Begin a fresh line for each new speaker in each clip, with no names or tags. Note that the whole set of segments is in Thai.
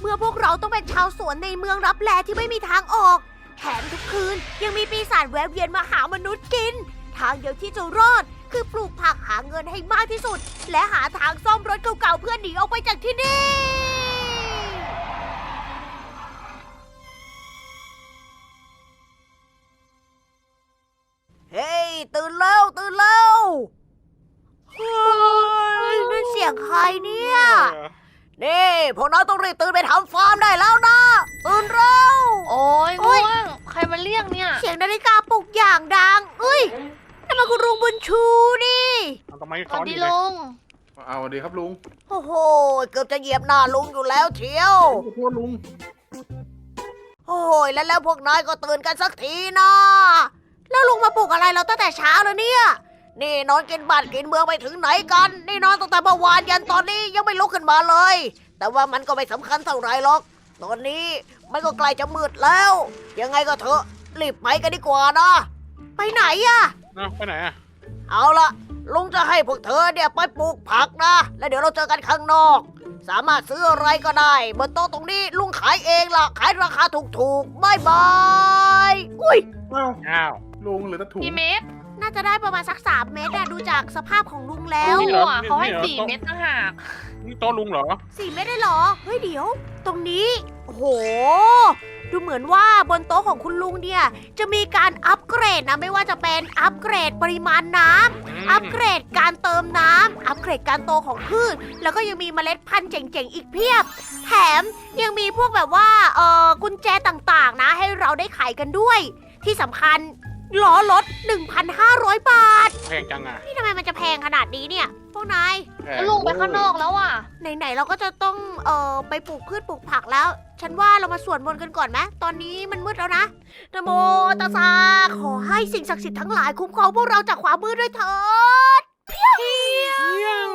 มื่อพวกเราต้องเป็นชาวสวนในเมืองลับแลที่ไม่มีทางออกแถมทุกคืนยังมีปีศาจแวะเวียนมาหามนุษย์กินทางเดียวที่จะรอดคือปลูกผักหาเงินให้มากที่สุดและหาทางซ่อมรถเก่าๆเพื่อหนีออกไปจากที่นี่เฮ้ยตื่นแล้วเฮ้ยนั่นเสียงใครเนี่ยนี่พวกเราต้องรีบตื่นไปทำฟาร์มได้แล้วนะตื่นเร็ว
โอ้ย
โอ๊
ง่
ย
วงใครมาเรียกเนี่ย
เสียงนาฬิกาปลุกอย่างดังเอ้ยนั่นมันคุณลุงบุญชูนี่
ทำไม
ส
ซ้อ
วัน ส
อ
ดี
ยู่เนี่ย
ลุง
เอาสวัสดีครับลุง
โอ้โหเกือบจะเหยียบหน้าลุงอยู่แล้วเชียว
ขอโทษลุง
โอ้ยแล้วพวกนายก็ตื่นกันสักทีนะแล้วลุงมาปลุกอะไรเราตั้งแต่เช้าแล้วเนี่ยนี่นอนกินบ้านกินเมืองไปถึงไหนกันนี่นอนตั้งแต่เมื่อวานยันตอนนี้ยังไม่ลุกขึ้นมาเลย แต่ว่ามันก็ไม่สำคัญเท่าไหรหรอกตอนนี้มันก็ใกล้จะมืดแล้ว ยังไงก็เถอะรีบไปกันดีกว่านะไปไหนอะ
ไปไหนอ่ะ
เอาละลุงจะให้พวกเธอเนี่ยไปปลูกผักนะ แล้วเดี๋ยวเราเจอกันข้างนอก สามารถซื้ออะไรก็ได้บนโต๊ะตรงนี้ลุงขายเองล่ะ ขายราคาถูกๆบายบายอุ้ย
อ้าว
ลุงเหลือแต่ถุง
กี่เมตร
น่าจะได้ประมาณสัก3 เมตรอะดูจากสภาพของลุงแล้ว
โอ้
นี่เหรอ
โหเขาให้
นี่เหรอ
4 เมตรต่างหาก
นี่โต๊ะลุงเหรอ
4 เมตรได้เหรอ เฮ้ยเดี๋ยว ตรงนี้ โอ้โห ดูเหมือนว่าบนโต๊ะของคุณลุงเนี่ยจะมีการอัปเกรดนะ ไม่ว่าจะเป็นอัปเกรดปริมาณน้ำ อัปเกรดการเติมน้ำ อัปเกรดการโตของพืช แล้วก็ยังมีเมล็ดพันธุ์เจ๋งๆ อีกเพียบ แถมยังมีพวกแบบว่า กุญแจต่างๆ นะ ให้เราได้ขายกันด้วย ที่สำคัญล้อรถ 1,500 บาท
แพงจังอ่ะ
นี่ทำไมมันจะแพงขนาดนี้เนี่ย พวกนาย
แพ
แล้วลุงไปข้างนอกแล้วอ่ะ
ไหนๆเราก็จะต้องไปปลูกพืชปลูกผักแล้ว ฉันว่าเรามาสวดมนต์กันก่อนไหมตอนนี้มันมืดแล้วนะนะโมตัสสะขอให้สิ่งศักดิ์สิทธิ์ทั้งหลายคุ้มครองพวกเราจากความมืดด้วยเถิดเพียง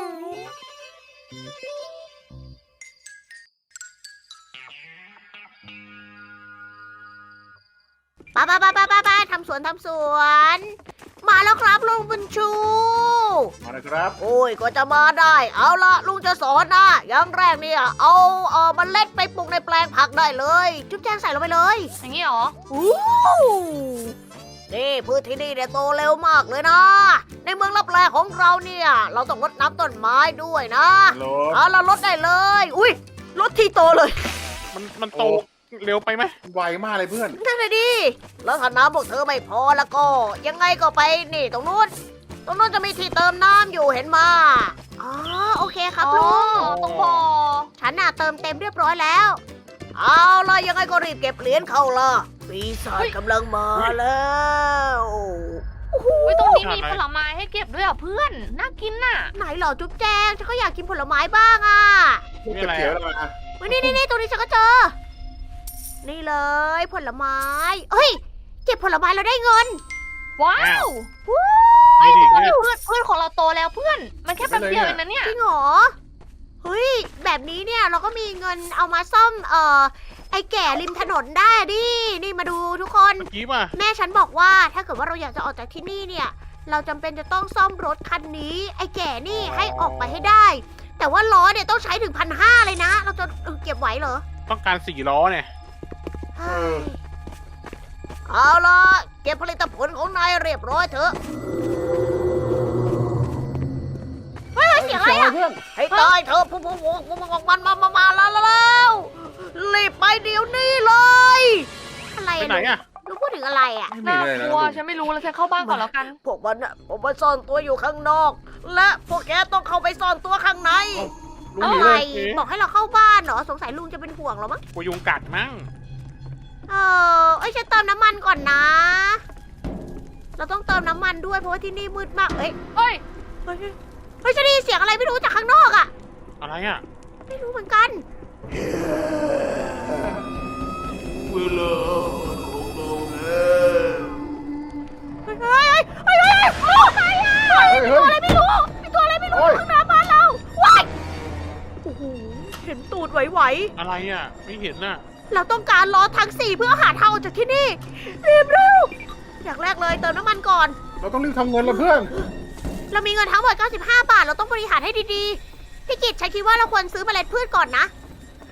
ไปทำสวน มาแล้วครับลุงบุญชู
มาเลยครับ
โอ้ยก็จะมาได้ เอาละลุงจะสอนนะอย่างแรกเนี่ยเอาเมล็ดไปปลูกในแปลงผักได้เลย จุ๊บแจงใส่ลงไปเลย
อย่างนี้เหรอ
อู้นี่พืชที่นี่เนี่ยโตเร็วมากเลยนะ ในเมืองลับแลของเราเนี่ยเราต้องรดน้ำต้นไม้ด้วยนะ
รถ
เอาละรดได้เลย อุ้ยรดทีโตเลย
มันโตเร็วไปไหม
ไวมากเลยเพื่อน
นั่นเลยดิแล้วถ้าน้ำพวกเธอไม่พอแล้วก็ ยังไงก็ไปนี่ตรงนู้นจะมีที่เติมน้ำอยู่เห็นมาอ๋อโอเคครับลุง
ตรงบ่อ
ฉันน่ะเติมเต็มเรียบร้อยแล้ว เอาล่ะยังไงก็รีบเก็บเหรียญเข้าล่ะปีศาจกำลังมาแล้ว
ไว้ยตรงนี้มีผลไม้ให้เก็บด้วยอ่ะเพื่อน น่ากินน่ะ
ไหนเหรอจุ๊บแจงฉันก็อยากกินผลไม้บ้างอ่ะ
ลูกเขียวๆแล้วนะ
เฮ้ยนี่ตรงนี้ฉันก็เจอ นี่เลยผลไม้เฮ้ยเก็บผลไม้เราได้เงิน
ว้าว
นี่ดิ
เพื่
เนี่ย
อนของเราโตแล้วเพื่อน มันแค่แป๊บเดียวเองนะเนี่ย
จริงเหรอเฮ้ยแบบนี้เนี่ยเราก็มีเงินเอามาซ่อมไอ้แก่ริมถนนได้ดินี่มาดูทุกคน
เมื่อกี้ป่ะ
แม่ฉันบอกว่าถ้าเกิดว่าเราอยากจะออกจากที่นี่เนี่ย เราจำเป็นจะต้องซ่อมรถคันนี้ ไอ้แก่นี่ให้ออกไปให้ได้ แต่ว่าล้อเนี่ยต้องใช้ถึง1,500เลยนะ เราจะเก็บไหวเหรอ
ต้องการ4 ล้อเนี่ย
เฮ้ยเอาล่ะเก็บผลิตผลของนายเรียบร้อยเถอะเฮ้ยเสียงอะไรอะ
เพื่อน
ให้ตายเถอะพวกมันมาแล้วรีบไปเดี๋ยวนี้เลยอะไร
ไป
อะ
ไหนอ่ะ
ลูกพูดถึงอะไรอะ
ไม่มี
น่า
เลยนะ
กลัวฉันไม่รู้แล้วฉันเข้าบ้านก่อนแล้วกัน
พวกมันผมมาซ่อนตัวอยู่ข้างนอก และพวกแกต้องเข้าไปซ่อนตัวข้างใน
ลุง
อะ
หนี
ไร
เลย
บอกให้เราเข้าบ้านเหรอสงสัยลุงจะเป็นห่วงเรามั้ง
กูยุงกัดมั้ง
ฉันเติมน้ำมันก่อนนะ เราต้องเติมน้ำมันด้วยเพราะว่าที่นี่มืดมากเอ้ย
เฮ้ย
เฮ้ยฉันได้ยินเสียงอะไรไม่รู้จากข้างนอกอะ
อะไรอ่ะ
ไม่รู้เหมือนกัน
เวลาของเราแล้ว
เฮ้ยอะไรอะตัวอะไรไม่รู้มีตัวอะไรไม่รู้ข้างหน้าบ้านเราว้ายโอ้โหเห็นตูดไหว
อะไรอ่ะ ไม่เห็นน่ะ
ๆเราต้องการล้อทั้ง4เพื่อหาทางออกจากที่นี่รีบเร็วอย่างแรกเลยเติมน้ำมันก่อน
เราต้องรีบทำเงินละเพื่อน
เรามีเงินทั้งหมด95 บาทเราต้องบริหารให้ดีๆพี่กิตฉันคิดว่าเราควรซื้อเมล็ดพืชก่อนนะ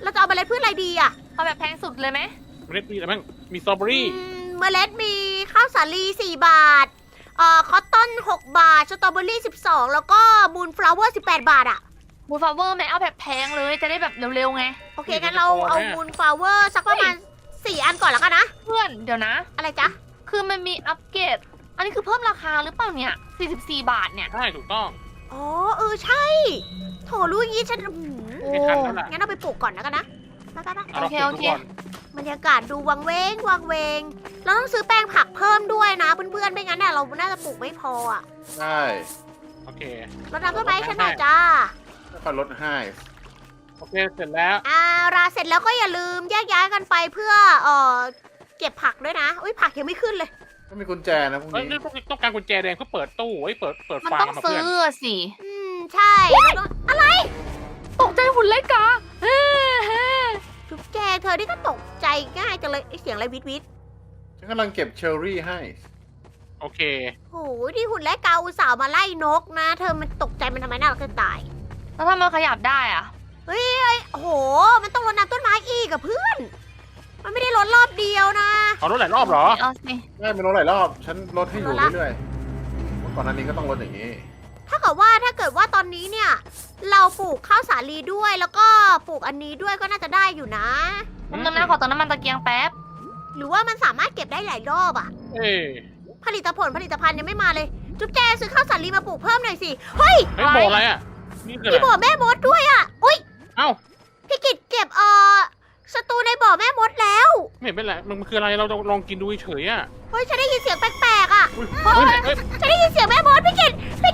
เราจะเอาเมล็ดพืชอะไรดีอะ
เอาแบบแพงสุดเลยไหม
เมล็ดมีอะไรบ้างมีสตรอเบอรี่
เมล็ดมีข้าวสาลี4 บาทคอตตอน6 บาท สตรอเบอรี่12 แล้วก็มูนฟลาวเวอร์18 บาทอะ
บูฟาเวอร์ไหมเอาแบบแพงเลยจะได้แบบเร็วๆไง
โอเคงั้นเราเอามูนฟลาวเวอร์สักประมาณ4 อันก่อนแล้วกันนะ
เพื่อนเดี๋ยวนะ
อะไรจ๊ะ
คือมันมีอัปเกรด อันนี้คือเพิ่มราคาหรือเปล่าเนี่ย 44 บาทเนี่ย
ใช่ถูกต้อง
อ๋อใช่ โถรู้อย่างงี้ฉัน
โอ้
ไม่ทันแล้วล่ะ
งั้นเอาไปปลูกก่อนแล้วกันนะไป
เอาเรา
โอเค
เก็บ
โอ
ทุก
เค
คน
บรรยากาศดูวังเวงวังเวง เราต้องซื้อแป้งผักเพิ่มด้วยนะเพื่อนๆไม่งั้นเนี่ยเราน่าจะปลูกไม่พออ่ะ
ใช่
โอเค
เราทำต้นไม้ให้ฉันหน่อยจ้า
ค่อยๆลดให้
โอเคเสร็จแล้ว
ราเสร็จแล้วก็อย่าลืมแยกย้ายกันไปเพื่อเก็บผักด้วยนะอุ้ยผักยังไม่ขึ้นเลย
ก็มีกุญแจนะพวก
เฮ้ย
นี้
ต้องการกุญแจแดงเพื่อเปิดตู้เฮ้ยเปิด
มัน
ฟา
ต้
ร์
อง
มมา
ซื้
เพื่อน
อสิ
ใช่แล้วก็อะไร
ตกใจหุ่นเล็กกะเฮ้เฮ้
จุ๊บแจงเธอนี่ก็ตกใจง่ายจังเลยไอ้เสียงอะไรวิทวิท
ฉันกำลังเก็บเชอร์รี่ให้
โอเค
โอ้ยที่หุ่นและเกาอุตส่าห์มาไล่นกนะ เธอมันตกใจมันทำไมน่ารักจะตาย
แล้วถ้ามันขยับได้อะ
โอ้โห มันต้องรดน้ำต้นไม้อีกอะเพื่อน มันไม่ได้รดรอบเดียวนะ
เอารถหลายรอบเหรอ
เอาสิ
ได้ไม่ลดหลายรอบ ฉันลดให้อยู่
ลดละ
เรื่อยๆก่อนหน้านี้ก็ต้องลดอย่างนี้
ถ้าเกิดว่าตอนนี้เนี่ย เราปลูกข้าวสาลีด้วยแล้วก็ปลูกอันนี้ด้วยก็น่าจะได้อยู่นะ
มันนึงนะขอเติมน้ำมันตะเกียงแป๊บ
หรือว่ามันสามารถเก็บได้หลายรอบอะ
เอ้ย
ผลิตภัณฑ์ยังไม่มาเลย จุ๊บแจซื้อข้าวสาลีมาปลูกเพิ่มหน่อยสิ เฮ้ย
เฮ้ยบอกอะไรอ่ะ นี่คือ
มี
อะไร
บ่อแม่มดด้วยอะอุ้ย
เอ้า
พี่กิตเก็บสตูในบ่อแม่มดแล้ว
ไม่เห็นเป็นไรมันคืออะไรเราลองกินดูเฉยๆอ่ะ
เฮ้ยฉันได้ยินเสียงแปลกๆอะ
อุ้ยเฮ้ยเฮ้ย
ฉันได้ยินเสียงแม่มดพี่กิต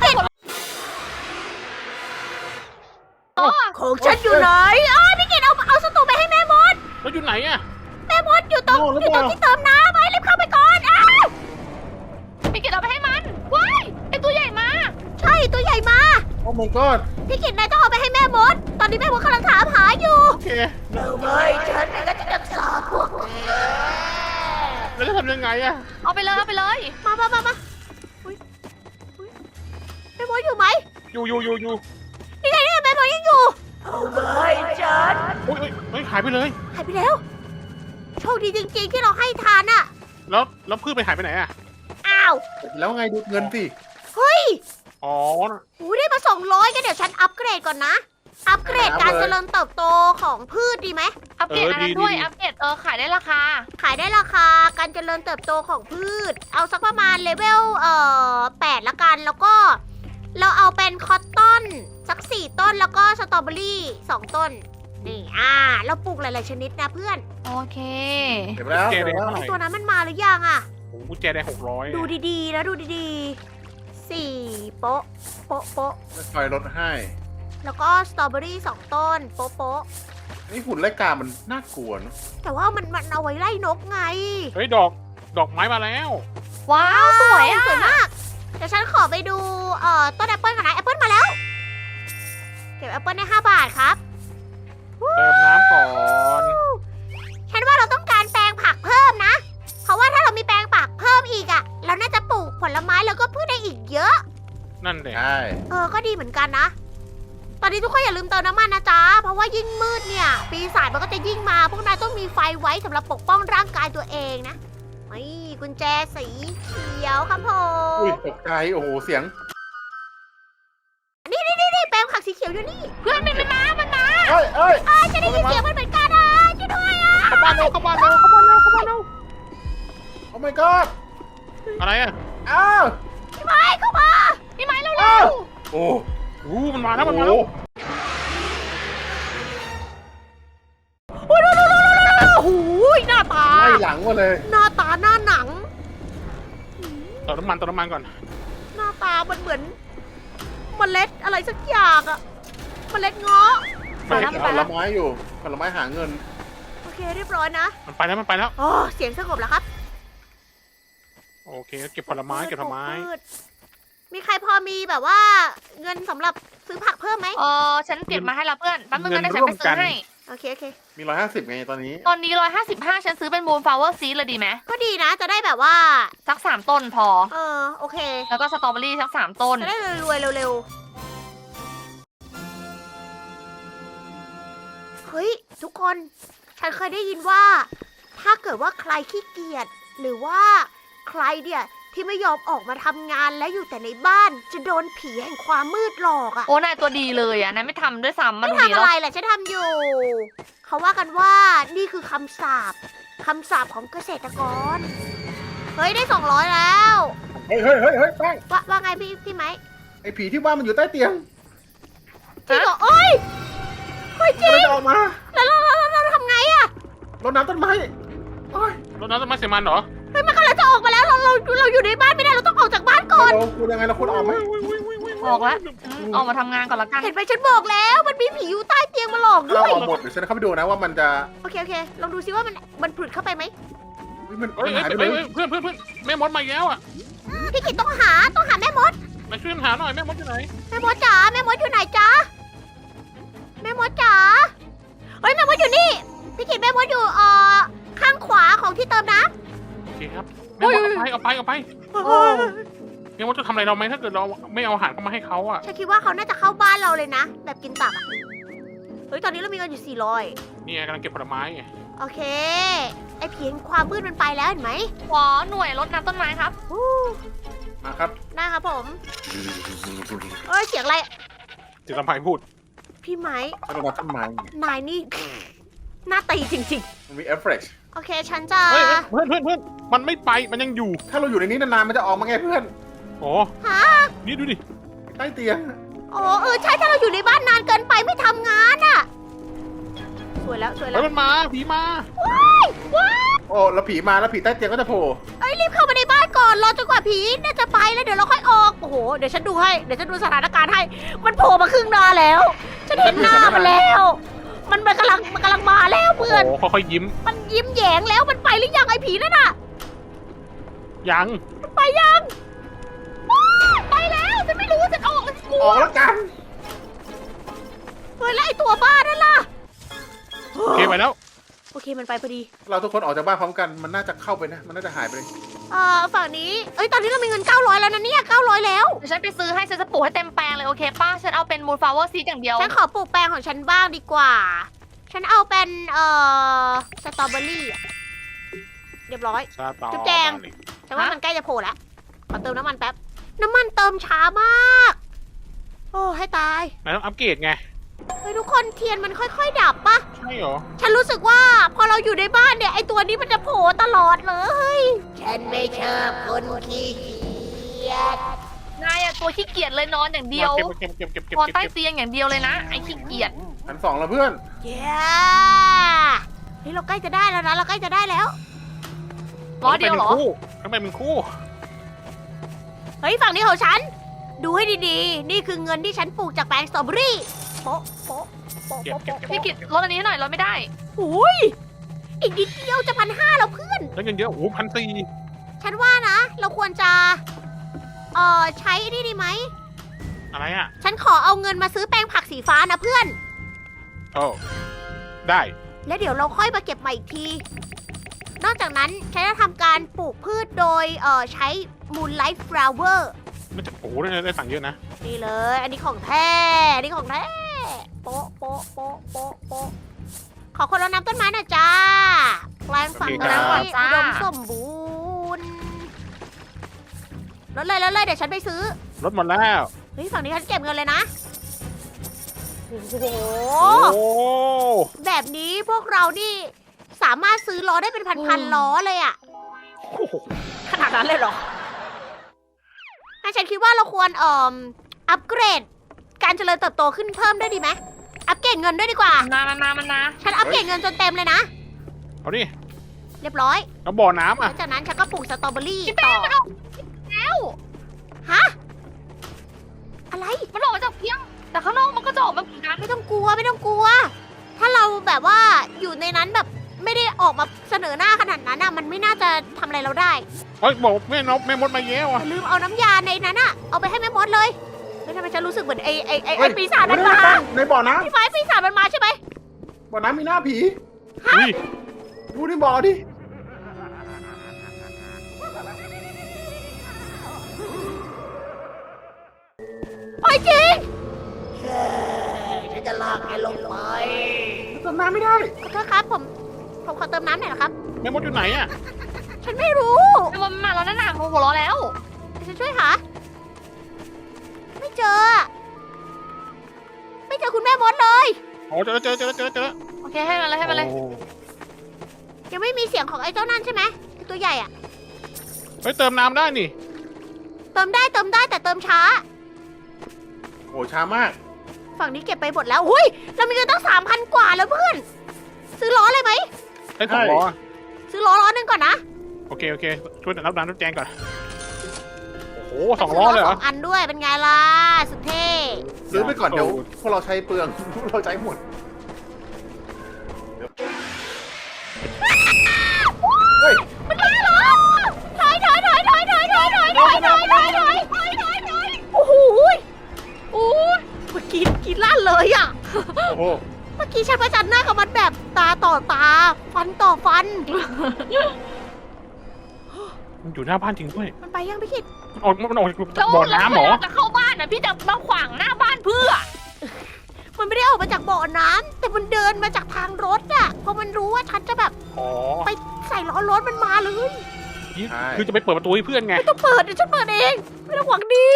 ของฉันอยู่ไหนพี่กิตเอาสตูไปให้แม่มด
แล้วอยู่ไหนอ่ะ
แม่มดอยู่ตรง
โน่หรือ
อยู่
เป
ตร
ล่า
งที่เติมน้ำไปรีบเข้าไปก่อนอ้าว
พี่กิตเอาไปให้มัน ว้ายไอตัวใหญ่มา
ใช่ตัวใหญ่มา
โอ้ my god
พี่กิตนายต้องเอาไปให้แม่มด ตอนนี้แม่มดกำลังถามหาอยู่
โอเค
ไม่ฉันก็จะรักษาพวกแก
แล้วจะทำยังไงอ่ะ
เอาไปเลยเอาไปเลย
มาอุ๊ยแม่มดอยู่ไหม
อยู่
นี่ไงแม่มดยังอยู่เอาไม่ฉัน
อุ้ยเฮ้ยหายไปเลย
หายไปแล้ว โชคดีจริงๆที่เราให้ทานอะ
แล้วพืชไปหายไปไหนอ่ะ
อ้าว
แล้วไงดูเงินสิ
เฮ้ย
อ๋อ
หูได้มา200กันเดี๋ยวฉันอัปเกรดก่อนนะ อัปเกรดการเจริญเติบโตของพืชดีไหม
อัปเกรดอันนั้นด้วย อัปเกรดขายได้ราคา
ขายได้ราคาการเจริญเติบโตของพืช เอาสักประมาณเลเวล8ละกัน แล้วก็เราเอาเป็นคอตตอนสัก4 ต้นแล้วก็สตรอเบอรี่2 ต้น นี่เราปลูกหลายๆชนิดนะเพื่อน
โอเค
เก็บแล้ว
เก็บ
เก็บ
แล้ว
แล้ว
เท่าไหร่
ตัวนั้นมันมาหรือยังอะ
โอ้โหกุญแจแดง600
ดูดีๆนะดูดีๆ4 โป๊ะ โป๊ะ โป๊ะ
ค่อยๆลดให้
แล้วก็สตรอเบอรี่2 ต้น โป๊ะ โป๊ะ
นี่หุ่นไล่กามันน่ากลัวเนอะ
แต่ว่ามันเอาไว้ไล่นกไง
เฮ้ยดอกไม้มาแล้ว
ว้าวสวยอ่ะ
สวยมาก เดี๋ยวฉันขอไปดูต้นแอปเปิลก่อนนะแอปเปิลมาแล้ว เก็บแอปเปิลได้5 บาทครับ
เติมน้ำก่อน
ฉันว่าเราต้องการแปลงผักเพิ่มนะ เพราะว่าถ้าเรามีแปลงผักเพิ่มอีกอะเราน่าจะปลูกผลไม้แล้วก็พืชได้อีกเยอะ
นั่นเด็
ใช่
ก็ดีเหมือนกันนะ ตอนนี้ทุกคนอย่าลืมเติมน้ำมันนะจ๊ะ เพราะว่ายิ่งมืดเนี่ย ปีศาจมันก็จะยิ่งมา พวกนายต้องมีไฟไว้สำหรับปกป้องร่างกายตัวเองนะนี่กุญแจสีเขียวครับผ
อุ้ย
ม
ตกใจโอ้โหเสียง
นี่แปลงผักสีเขียวอยู่นี่
เพื่อนมันมา
เอ้ยเอ้ย
ฉันได้ยินเสียงมันเหมือนกันช่วยด้วย
เข้าบ้านเร็ว
โอ้ my god
อะไรอ่ะ
อ้าว
พี่ไม้เข้ามา
พี่ไม้เร็ว
อ้าวโอ้
มันมาแล้วมันมาแล้ว
โอ้โหหน้าตา
ไล่หลังมาเลย
หน้าตาหน้าหนัง
เติมน้ำมันก่อน
หน้าตามันเหมือนเมล็ดอะไรสักอย่างอะเมล็ดเงาะ
ผลไม้อยู่ผลไม้หาเงิน
โอเคเรียบร้อยนะ
มันไปแล้ว
อ๋อเสียงสงบแล้วครับ
โอเคเก็บผลไม้
พืชมีใครพอมีแบบว่า เงินสำหรับซื้อผักเพิ่มไหม
ฉันเก็บมาให้ละเพื่อนแป๊บนึงนะเดี๋ยวฉันไปซื้อให้
โอเค
มี150ไงตอนนี้
ตอนนี้155ฉันซื้อเป็นมูนฟลาวเวอร์ซีดเลยดีไหม
ก็ดีนะจะได้แบบว่า
สัก3 ต้นพอ
โอเค
แล้วก็สตรอเบอรี่สัก3 ต้น
จะได้รวยๆเร็วๆเฮ้ยทุกคน ฉันเคยได้ยินว่า ถ้าเกิดว่าใครขี้เกียจหรือว่าใครเนี่ยที่ไม่ยอมออกมาทำงานและอยู่แต่ในบ้านจะโดนผีแห่งความมืดหลอกอะ
โอ้นายตัวดีเลยอ่ะนายไม่ทำด้วยซ้ำมัน
ไม่
ดี
ทำ
แล้
อะ
ว
ไรแหละฉันทำอยู่ เขาว่ากันว่านี่คือคำสาปของเกษตรกร เฮ้ยได้200แล้ว
เฮ้ยแป้ง
ว่าไงพี่ไหม
ไอ้ผีที่ว่ามันอยู่ใต้เตียง
จริงเหรอเอ้ยเฮ้ยจริ
มัน
ง
จะออกมา
แล้วเราทำไงอะ
รดน้ำต้นไม้โอ้ย
รถน้ำต้นไม้เสียมันเหรอ
เฮ้ยมันกำลังจะออกมาแล้วเราอยู่ในบ้านไม่ได้เราต้องออกจากบ้านก่อน
เราควรยังไงเราควรออกไหม
ออกแล้วออกมาทำงานก่อนละกัน
เห็นไหมฉันบอกแล้วมันมีผีอยู่ใต้เตียงมาหลอกด้
เรา
วย
ออกหมดเดี๋ยวฉันเข้าไปดูนะว่ามันจะ
โอเคลองดูซิว่ามันผุดเข้าไปไหม
เฮ้ยมัน
เฮ้ย
หายไปเลย
เพื่อนแม่มดมาอีกแล้วอ่ะ
พี่กิตต้องหาแม่มด
มาช่วยหาหน่อยแม่มดอยู่ไหน
แม่มดจ๋าแม่มดอยู่ไหนจ๊ะแม่มดจ๋าเฮ้ยแม่มดอยู่นี่พี่กิตแม่มดอยู่ข้างขวาของที่เติมน้
โอเคครับแม่มดเอาไป
ำ
แม่มดจะทำอะไรเราไหมถ้าเกิดเราไม่เอาอาหารเข้ามาให้เขาอ่ะ
ฉันคิดว่าเขาน่าจะเข้าบ้านเราเลยนะ แบบกินตับอะเฮ้ยตอนนี้เรามีเงินอยู่400
นี่ไงกำลังเก็บผลไม้ไง
โอเคไอ้ผีแห่งความมืดมันไปแล้วเห็นไหม
ขอหน่วยรดน้ำต้นไม้ครับ
อู้
มาครับ
ได้ครับผมเอ้ยเสียงอะไร
จะทำไมพูด
พี่ไหม
รดน้ำต้นไม้
นายนี่ หน้าตีจริง
มันมีเอฟเฟกต์
ๆ โอเคฉันจะ
เฮ้ยเพื่อนมันไม่ไปมันยังอยู่
ถ้าเราอยู่ในนี้นานๆมันจะออกมาไงเพื่อน
โอ้
ฮะ
นี่ดูดิ
ใต้เตียง
อ๋อใช่ถ้าเราอยู่ในบ้านนานเกินไปไม่ทำงานอะสวยแล้ว
เฮ้ยมันมาผีมา
ว้ายว้าย
โอ้แล้วผีมาแล้วผีใต้เตียงก็จะโผล่
เอ้ยรีบเข้ามาในบ้านก่อนรอจนกว่าผีน่าจะไปแล้วเดี๋ยวเราค่อยออกโอ้โหเดี๋ยวฉันดูให้เดี๋ยวฉันดูสถานการณ์ให้มันโผล่มาครึ่งหน้าแล้วฉันเห็นหน้ามันแล้ว มันกำลังมาแล้วเพื่อน
โอ้ค่อยๆยิ้ม
มันยิ้มแย้งแล้วมันไปหรือยังไอ้ผีนั่นน่ะ
ยัง
มันไปยังว้ายไปแล้วฉันไม่รู้ฉันออกแล้วฉันกลั
อ
ว
อกแล้วกัน
เฮ้ยแล้วไอ้ตัวบ้านั่นล่ะ
โอเคไปแล้ว
โอเคมันไปพอดี
เราทุกคนออกจากบ้านพร้อมกันมันน่าจะเข้าไปนะมันน่าจะหายไปเลย
ฝั่งนี้เอ้ยตอนนี้เรามีเงิน900แล้วนะเนี่ย900แล้ว
เดี๋ยวฉันไปซื้อให้ฉันจะปลูกให้เต็มแปลงเลยโอเคป้าฉันเอาเป็นมูลฟลาวเวอร์ซีดอย่างเดียว
ฉันขอปลูกแปลงของฉันบ้างดีกว่า ฉันเอาเป็นสตรอเบอรี่อะเรียบร้อย
ซาตอ
จุ๊บแจง ฉันว่ามันใกล้จะโผล่แล้ว ขอเติมน้ำมันแป๊บ น้ำมันเติมช้ามาก โอ้ให้ตาย
นายต้องอัปเกรดไง
เฮ้ยทุกคนเทียนมันค่อยๆดับปะ
ใช่เหรอ
ฉันรู้สึกว่าพอเราอยู่ในบ้านเนี่ยไอตัวนี้มันจะโผล่ตลอดเลย ฉันไม่ชอบคนขี้เกียจ
นายอะตัวขี้เกียจเลยนอนอย่างเดียว
เก็บ
นอนใต้เตียงอย่างเดียวเลยนะไอ้ขี้เกียจ
ชั้น2แล้วเพื่อน
เย้เฮ้ยเราใกล้จะได้แล้วนะเราใกล้จะได้แล้ว
ร้อยเดียวเหรอ
ทำไมเป็นคู่
เฮ้ยฝั่งนี้ของฉัน ดูให้ดีๆ นี่คือเงินที่ฉันปลูกจากแปลงสตรอเบอรี่โป๊ะโป๊ะโป๊ะ
เก็บ
โป๊ะ
พี่กิจลดอันนี้ให้หน่อยลดไม่ได้
อุ้ยอีกนิดเดียวจะ1,500แล้วเพื่อน
แล้วเงินเยอะโอ้1,400
ฉันว่านะ เราควรจะใช้นี่ดีไหม
อะไรอ่ะ
ฉันขอเอาเงินมาซื้อแปรงผักสีฟ้านะเพื่อน
โอ้ได้
แล้วเดี๋ยวเราค่อยมาเก็บใหม่อีกที นอกจากนั้นฉันจะทำการปลูกพืชโดยใช้ Moonlight Flower
มันจะโอ้ได้สั่งเยอะนะ
นี่เลย อันนี้ของแท้อันนี้ของแท้โป๊ะโป๊ะโป๊ะโป๊ะโป๊ะขอคนรดน้ำต้นไม้หน่อยจ้าแปลงฝั่ง
โอเค
นี้
ครับ
อุดมสมบูรณ์ลดเลยเดี๋ยวฉันไปซื้อ
รถหมดแล้ว
เฮ้ยฝั่งนี้ฉันเก็บเงินเลยนะ โอ้โห
โอ้
แบบนี้พวกเรานี่สามารถซื้อล้อได้เป็นพันๆล้อเลยอะ
โห
ขนาดนั้นเลยเหรองั้นฉันคิดว่าเราควรอัปเกรด การเจริญเติบโตขึ้นเพิ่มด้วยดีไหมอัปเกรดเงินด้วยดีกว่า
มันนะ
ฉันอัปเกรดเงินจนเต็มเลยนะ
เอาดิ
เรียบร้อย
แล้วบ่อน้ำ
ห
อ่ะ
ลังจากนั้นฉันก็ปลูกสตรอเบอรี่
พี่
ต่
แป้
อง
มันออกแล้ว
ฮะ อะไร
มันออกมาจากเพียง แต่ข้างนอกมันก็จะออกมาเหมือนกัน
ไม่ต้องกลัวไม่ต้องกลัว ถ้าเราแบบว่าอยู่ในนั้นแบบไม่ได้ออกมาเสนอหน้าขนาดนั้นอะมันไม่น่าจะทำอะไรเราได้
เฮ้ยบอกแม่มดมาแย้ว
อ
อ่ะ
ย่าลืมเอาน้ำยาในนั้นอะเอาไปให้แม่มดเลยไม่ทำไมฉันรู้สึกเหมือนไอ้
เฮ้ย
ปีศาจมันมา
ในบ่อน้
พี่ไฟปีศาจมันมาใช่ไหม
ำบ่อน้ำมีหน้าผี
อุ้ย
ดูในบ่อดิ
ไปจริง
จะติมน้ำไม่ได้
ขอโทษครับผมขอเติมน้ำหน่อยนะครับ
แม่มดอยู่ไหนอ่ะ
ฉันไม่รู้
มันมาแล้วนั่นน่ะหัวเราะแล้ว
เดี๋ยวฉันช่วยหา ไม่เจอ ไม่เจอคุณแม่มดเลย
โอ้เจอแล้วเจอแล้ว
โอเคให้มันเลยให้มันเลย
โอ้
ยังไม่มีเสียงของไอ้เจ้านั่นใช่ไหมไอ้ตัวใหญ่อะ
เฮ้ยเติมน้ำได้นี่
เติมได้แต่เติมช้า
โอ้ช้ามาก
ฝั่งนี้เก็บไปหมดแล้วหุ้ยเรามีเงินตั้ง3,000 กว่าแล้วเพื่อน ซื้อล้อเลยไหม
ได้สองล้อ
ซื้อล้อหนึงก่อนนะ
โอเคช่วยรับน้ำรับแจงก่อนโอ้โหสองล้อเลยเหร
ส
อ
องอันด้วยเป็นไงล่ะ สุดเท่
ซื้อไปก่อนเดี๋ยวพวกเราใช้เปลือง พวกเราใช้หมด เฮ้ย
มันมาเหรอถอยโอ้โหโอ้ยเมื่อกี้กินลั่นเลยอ่ะ
โอ้โห
เมื่อกี้ฉันประจันหน้ากับมันแบบตาต่อตา ฟันต่อฟัน
มันอยู่หน้าบ้านจริงด้วย
มันไปยังพี่คิด
มันออกจาก
แล้ว
บ่อ
แล้ว
น้ำเหรอ
เราจะเข้าบ้านนะพี่จะมาขวางหน้าบ้านเพื่อ
มันไม่ได้ออกมาจากบ่อน้ำแต่มันเดินมาจากทางรถอ่ะเพราะมันรู้ว่าฉันจะแบบ
อ๋อ
ไปใส่ล้อรถมันมาเลย
คือจะไปเปิดประตูให้เพื่อนไง
ไม่ต้องเปิดเดี๋ยวฉันเปิดเองไม่ต้องหวังดี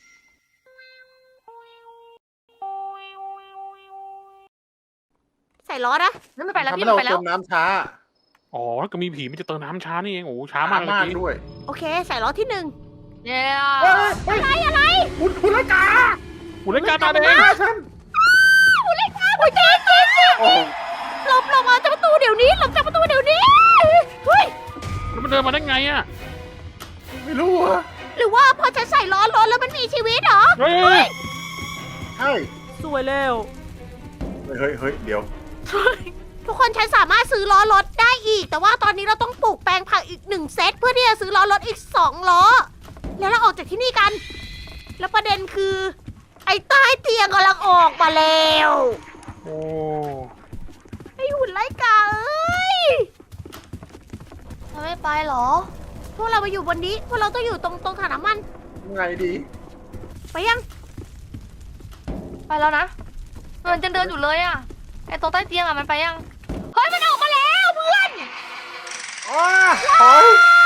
ใส่ล้อนะ
นั่นไม่ไปแล้ว
ทำ
พี่
ให้เรา
ไม่ไปแล้
เติ
ว
มน้ำช้า
อ๋อแล้วก็มีผีมันจะเติมน้ำช้านี่เองโอ้โหช้ามากเลย
มาก
พี่
ด้วย
โอเค ใส่ล้อที่
เย้
อะไร
คุณละกา
หุ่นเล่นการตาแดง
ฉัน
อุ้ยเจ๊
โอ้
หลบออกจากประตูเดี๋ยวนี้หลบจากประตูเดี๋ยวนี้เฮ้ย
แล้วมันเดินมาได้ไงอ่ะ
ไม่รู้อะ
หรือว่าพอฉันใส่ล้อรถแล้วมันมีชีวิตเหรอ
เฮ้ย
ใช่
สวยแล้ว
เฮ้ย เดี๋ยว
ทุกคนฉันสามารถซื้อล้อรถได้อีก แต่ว่าตอนนี้เราต้องปลูกแปลงผักอีก1 เซตเพื่อที่จะซื้อล้อรถอีก2 ล้อ แล้วเราออกจากที่นี่กัน แล้วประเด็นคือ ไอ้ใต้เตียงกำลังออกมาแล้ว
โอ้
ไอ้หุ่นไล่กาเอ้ย
เราไม่ไปเหรอ
พวกเรามาอยู่บนนี้พวกเราต้องอยู่ตรงถังน้ำมัน
ไงดี
ไปยัง
ไปแล้วนะ มันจะเดินอยู่เลยอ่ะไอ้โต๊ะใต้เตียงอ่ะมันไปยังเฮ้ยมันออกมาแล้วเพื่อน
อ้าถอย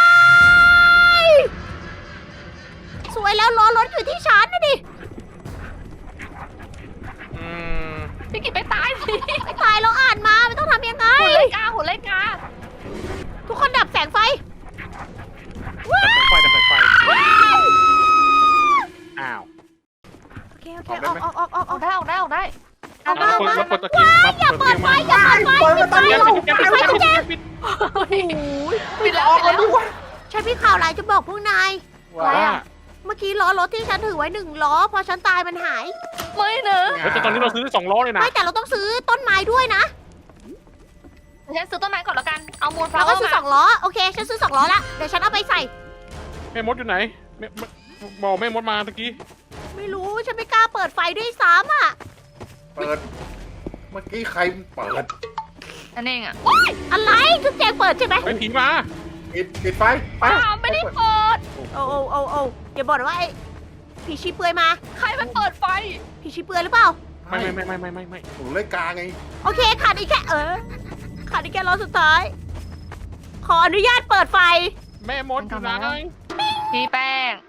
สวยแล้วล้อรถอยู่ที่ฉันนะดิ
อืม
พี่กิจไปตายสิ
ไม่ตายเราอ่านมาไม่ต้องทำยังไง
หุ่นเล็กกาหุ่นเล็กกา
ทุกคนดับแสงไฟ
ดับไฟอ้าว
โอเคออก
ออกได้ออกได้ออกได้
เอามา
เปิดตะเกียงมาเปิดเตียงมา
อย่าเปิดไฟ
ปิด
ปิดแล้ว
ออก
ปิด
มา
แล้ว
ด้วย
ฉันมีข่าวร้ายจะบอกพวกนาย
อะไรอะ
เมื่อกี้ล้อรถที่ฉันถือไว้1 ล้อ พอฉันตายมันหาย
ไม่เนอะ
แต่ตอนนี้เราซื้อได้2 ล้อเลยนะ
ไม่แต่เราต้องซื้อต้นไม้ด้วยนะ
ฉันซื้อต้นไม้ก่อนแล้วกัน เอามูลฟลา
เรา
วเว
ก็
อร์
ซื้อ
มา
2 ล้อ โอเค ฉันซื้อ2 ล้อละ เดี๋ยวฉันเอาไปใส่
แม่มดอยู่ไหนบอกแม่มดมาตะกี้
ไม่รู้ ฉันไม่กล้าเปิดไฟด้วยซ้ำอ่ะ
เปิด เมื่อกี้ใครเปิด
นั่นเองอ่ะ
อะไรจุ๊บแจงเปิดใช่ไหม
ไปผีมา
ปิดไฟ ไป
อ้าวไม่ได้เปิด
โอ้อย่าบอกนะว่าไอ้ผีชีเปลือยมา
ใครมันเปิดไฟ
ผีชีเปลือยหรือเปล่า
ไม่
ผมเลยกาไง
โอเคขาดอีกแค่ขาดอีกแค่ล้อสุดท้าย ขออนุญาตเปิดไฟ
แม่มดอยู่ไหน
พี่แป้ง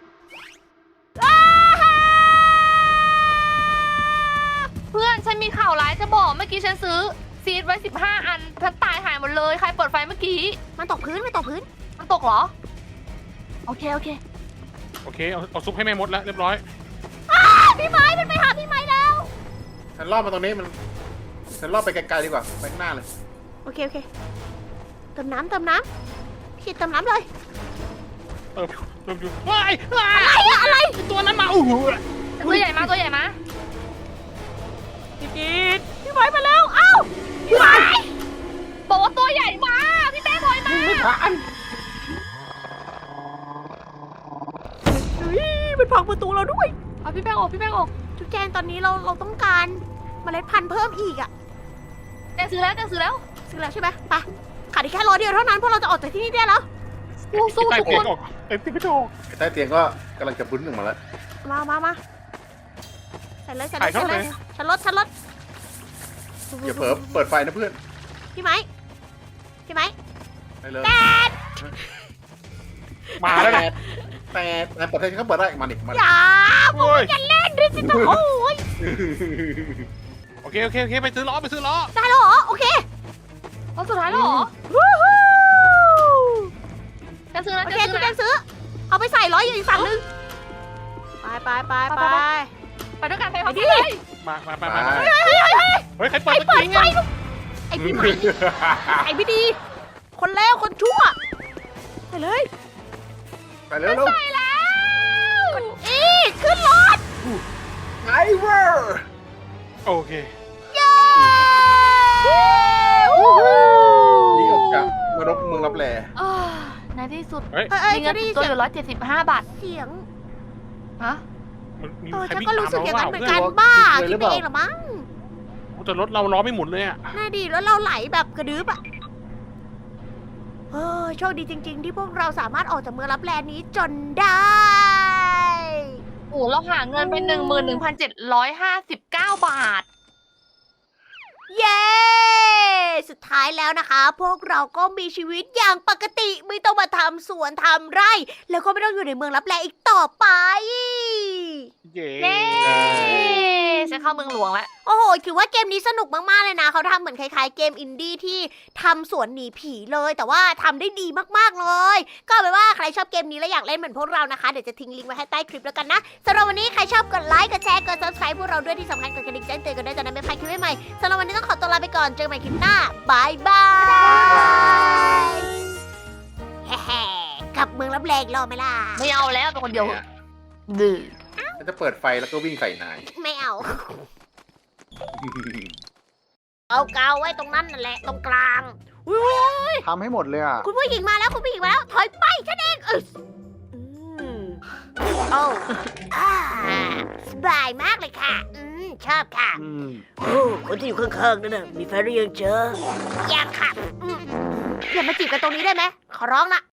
เพื่อนฉันมีข่าวร้ายจะบอก เมื่อกี้ฉันซื้อซีดไว้15 อันฉันตายหายหมดเลย ใครเปิดไฟเมื่อกี้
มันตกพื้น
มันตกเหรอ โอเค
โอเคเอาซุปให้แม่มดแล้วเรียบร้อย
พี่ไม้มันไปหาพี่ไม้แล้ว
ฉันรอบมาตรงนี้ฉันรอบไปไกลๆดีกว่า ไปข้างหน้าเลย
โอเคเติมน้ำขีดเติมน้ำเลย
เริ่มอยู่ว้าย
อะไร
ตัวนั้นมาโอ้โห
ตัวใหญ่มาตัวใหญ่มา
พี่ไม้มาแล้ว เอ้าพี่ไม้
บอกว่าตัวใหญ่มา พี่แป้งถอยมา
ไม่ผ่าน
มันพังประตูเราด้วย
เอาพี่แป้งออกพี่แป้งออก
จุ๊บแจงตอนนี้เราต้องการเมล็ดพันธุ์เพิ่มอีกอ่ะ
แจงซื้อแล้ว
ซื้อแล้วใช่ไหมไปขาดอีกแค่ล้อเดียวเท่านั้นพวกเราจะออกจากที่นี่ได้แล้ว
สู้
ใต้
ทุก
เตี
ค
ยง
น
ออกเต็มที่กระจก
ใต้เตียงก็กำลังจะพื้นหนึ่งมาแล้ว
มาใส่เลย
ถ่ายเข้าเลย
ฉันลด
อย่าเผลอเปิดไฟนะเพื่อน
พี่ไหมพี่ไหม
ไปเลย
มาแล้ว
แต่
เนี่ย
แต่เปิดให้เขาเปิดได้มาดิมาดิ
อย่าผม
โอ้ย
จะเล่นด้วยสิโอ้ย
โอเคไปซื้อล้อ
ได้แล้วเหรอโอเค
รอบสุดท้ายแล้วเหรอ
วู้ฮู้
จะซื้อนะ
โอ
จะ
เค
ซื้
คุ
อ
ณแจ
นะ
งซื้อเอาไปใส่ร้อยอยู่อีกฝั่งนึงไป
ไปด้วยกันไปพร้อม
ไปดิ
กันเลย
มา
ไป
เฮ้ยใครเปิด
ไอ้เปิด
จริง
ไฟ
อะ
ไอ้พี่ไหมไอ้พี่ดี คนเลวคนชั่วไปเลย
ไปเร็วเร็ว
ไปแล้ว
อีขึ้นรถ
ไอเวอร์
โอเค
เย้
นี่ออกจากนรกเมืองรับแล
อ่าในที่สุด
เฮ้ย
เอ้ย
มีเงิ
จะ
น
ได้
ติ
ยิ
ด
น
ตัว
เสี
อย
ง
ยู่175 บาท
เสียง
ฮะ
มี
เออ
ใคร
ฉัน
วิ่ง
ก็
ตาม
รู้สึกอย่างนั้น
เรา
เหมือน
เพื่
กั
อน
นบ้าคิดไปเองเหรอมั้ง
แต่รถเราล้อไม่หมุนเลยอะ
น่าดีแล้วเราไหลแบบกระดึ๊บอะเออโชคดีจริง ๆ ที่พวกเราสามารถออกจากเมืองรับแลนี้จนได้
โอ้เราหาเงินไป11,759 บาท
เย้ สุดท้ายแล้วนะคะ พวกเราก็มีชีวิตอย่างปกติไม่ต้องมาทำสวนทำไร่ แล้วก็ไม่ต้องอยู่ในเมืองรับแลอีกต่อไป
เย้
เย้ฉันเข้าเมืองหลวงแล้ว
โอ้โห ถือว่าเกมนี้สนุกมาก ๆ เลยนะ เขาทำเหมือนคล้าย ๆ เกมอินดี้ที่ทำสวนหนีผีเลย แต่ว่าทำได้ดีมาก ๆ เลย ก็เอาเป็นว่าใครชอบเกมนี้และอยากเล่นเหมือนพวกเรานะคะ เดี๋ยวจะทิ้งลิงก์ไว้ให้ใต้คลิปแล้วกันนะสำหรับวันนี้ใครชอบกดไลค์ กดแชร์ กด subscribe พวกเราด้วยที่สำคัญกดกระดิ่งแจ้งเตือนกันด้วยจะได้ไม่พลาดคลิปใหม่ๆสำหรับวันนี้ต้องขอตัวลาไปก่อน เจอกันใหม่คลิปหน้าบายบายแฮ่ๆกลับเมืองรับแลอีกรอบไหมล่ะ
ไม่เอาแล้วเป็นคนเดียวดื้อ
ฉันจะเปิดไฟแล้วก็วิ่งใส่นาย
ไม่เอา เอากาวไว้ตรงนั้นนั่นแหละตรงกลางอุ๊ย
ทำให้หมดเลยอ่ะ
คุณผู้หญิงมาแล้วคุณผู้หญิงมาแล้วถอยไปฉันเองโอ้อ่าสบายมากเลยค่ะ ชอบค่ะโอ้คนที่อยู่ข้างๆนั่นน่ะมีแฟนหรือยังเจอยังค่ะอย่ามาจีบกันตรงนี้ได้ไหมขอร้องละ